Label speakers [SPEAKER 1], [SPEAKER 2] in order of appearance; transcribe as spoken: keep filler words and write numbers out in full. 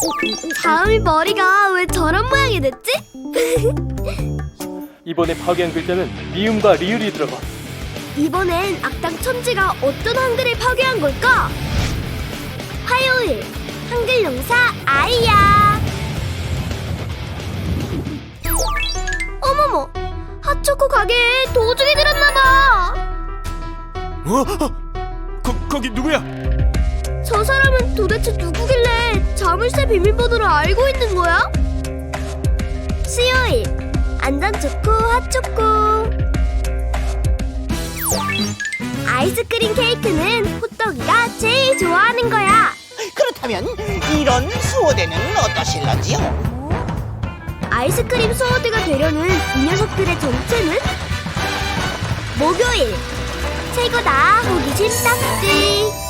[SPEAKER 1] 다음이 머리가 왜 저런 모양이 됐지?
[SPEAKER 2] 이번에 파괴한 글자는 미음과 리을이 들어가.
[SPEAKER 1] 이번엔 악당 천지가 어떤 한글을 파괴한 걸까? 화요일 한글 용사 아이야. 어머머, 핫초코 가게에 도둑이 들었나봐.
[SPEAKER 3] 어? 어? 거, 거기 누구야?
[SPEAKER 1] 저 사람은 도대체 누구길래 자물쇠 비밀번호를 알고 있는 거야? 수요일 안전초코 핫초코. 아이스크림 케이크는 호떡이가 제일 좋아하는 거야.
[SPEAKER 4] 그렇다면 이런 수호대는 어떠실런지요?
[SPEAKER 1] 아이스크림 수호대가 되려는 이 녀석들의 정체는? 목요일 최고다 호기심 딱지.